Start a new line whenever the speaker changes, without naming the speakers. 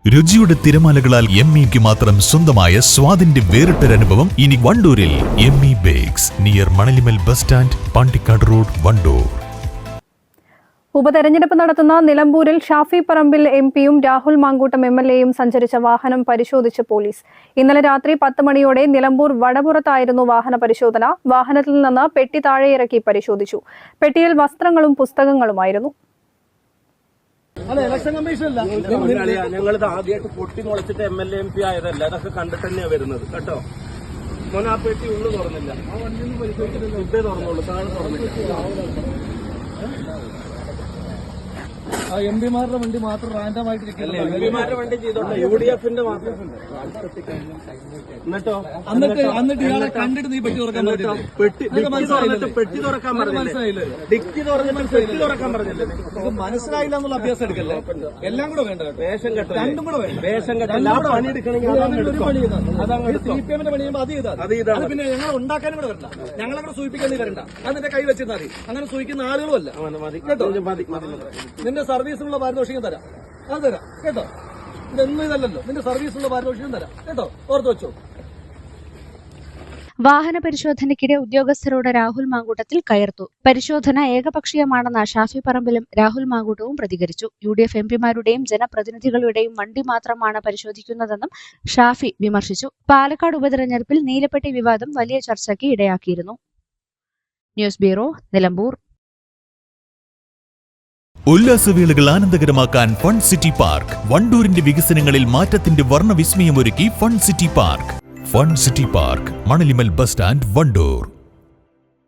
രുചിയുടെ തിരമാലകളാൽ എംഇക്ക് മാത്രം സ്വന്തമായ സ്വാദിന്റെ വേറിട്ടൊരനുഭവം ഇനി വണ്ടൂരിൽ. ME bakes near Manalimal bus stand, Pandikkad road, Wandoor.
ഉപതെരഞ്ഞെടുപ്പ് നടത്തുന്ന നിലമ്പൂരിൽ ഷാഫി പറമ്പിൽ എംപിയും രാഹുൽ മാങ്കൂട്ടം എംഎൽഎയും സഞ്ചരിച്ച വാഹനം പരിശോധിച്ച് പോലീസ്. ഇന്നലെ രാത്രി 10 മണിയോടെ നിലമ്പൂർ വടപുറത്തായിരുന്നു വാഹന പരിശോധന. വാഹനത്തിൽ നിന്ന് പെട്ടി താഴെയിറക്കി പരിശോധിച്ചു. പെട്ടിയിൽ വസ്ത്രങ്ങളും പുസ്തകങ്ങളുമായിരുന്നു.
ഞങ്ങളിത് ആദ്യമായിട്ട് പൊട്ടി മുളച്ചിട്ട് MLA MP ആയതല്ല, അതൊക്കെ കണ്ടിട്ട് തന്നെയാണ് വരുന്നത് കേട്ടോ. മോനെ ആ പെട്ടി ഉള്ളു തുറന്നില്ല, ആ വണ്ടിയൊന്നും പരിശോധിച്ചിട്ടില്ല, ഇതേ തുറന്നുള്ളൂ, താഴെ തുറന്നില്ല.
എംപിമാരുടെ വണ്ടി മാത്രം റാൻഡമായിട്ടിരിക്കില്ല.
എംപിമാരുടെ വണ്ടി ചെയ്തോട്ടെ, UDFന്റെ മാത്രം.
എന്നിട്ട് ഇയാളെ കണ്ടിട്ട് നീ പെട്ടി തുറക്കാൻ പറ്റില്ല.
പെട്ടി തുറക്കാൻ പറഞ്ഞില്ലേ? ഡിക്കി തുറന്നിട്ട് പെട്ടി തുറക്കാൻ പറഞ്ഞില്ലേ?
മനസ്സിലായില്ല എന്നുള്ള അഭ്യാസം എടുക്കല്ലേ. എല്ലാം കൂടെ വേണ്ട,
വേഷം കെട്ട,
രണ്ടും കൂടെ വേണ്ട.
വേഷം കെട്ടല്ല, ആ പണി എടുക്കണമെങ്കിൽ
CPM-ന്റെ പണിയുമ്പോൾ അത് ചെയ്താൽ പിന്നെ ഞങ്ങൾ ഉണ്ടാക്കാനും കൂടെ വരണ്ട, ഞങ്ങളെ സൂചിപ്പിക്കാൻ നീ വരണ്ട. അത് നിന്റെ കൈ വെച്ചിരുന്നാൽ മതി. അങ്ങനെ സൂചിക്കുന്ന ആളുകളുമല്ല കേട്ടോ. നിന്റെ സർവീസിനുള്ള പാരിതോഷികം തരാം, അത് തരാം കേട്ടോ. ഇതൊന്നും ഇതല്ലല്ലോ, നിന്റെ സർവീസിനുള്ള പാരിതോഷികം തരാം കേട്ടോ, ഓർത്ത് വെച്ചോ.
വാഹന പരിശോധനയ്ക്കിടെ ഉദ്യോഗസ്ഥരോട് രാഹുൽ മാങ്കൂട്ടത്തിൽ കയർത്തു. പരിശോധന ഏകപക്ഷീയമാണെന്ന് ഷാഫി പറമ്പിലും രാഹുൽ മാങ്കൂട്ടവും പ്രതികരിച്ചു. UDF എംപിമാരുടെയും ജനപ്രതിനിധികളുടെയും വണ്ടി മാത്രമാണ് പരിശോധിക്കുന്നതെന്നും ഷാഫി വിമർശിച്ചു. പാലക്കാട് ഉപതെരഞ്ഞെടുപ്പിൽ നീലപ്പെട്ടി വിവാദം വലിയ ചർച്ചയ്ക്ക് ഇടയാക്കിയിരുന്നു. News bureau, Nilambur.
ഉല്ലാസവേളകൾ ആനന്ദകരമാക്കാൻ ഫൺ സിറ്റി പാർക്ക്. വണ്ടൂരിന്റെ വികസനങ്ങളിൽ മാറ്റത്തിന്റെ വർണ്ണവിസ്മയമൊരുക്കി fun city park. Fun city park, Manalimal bus stand, Wandoor.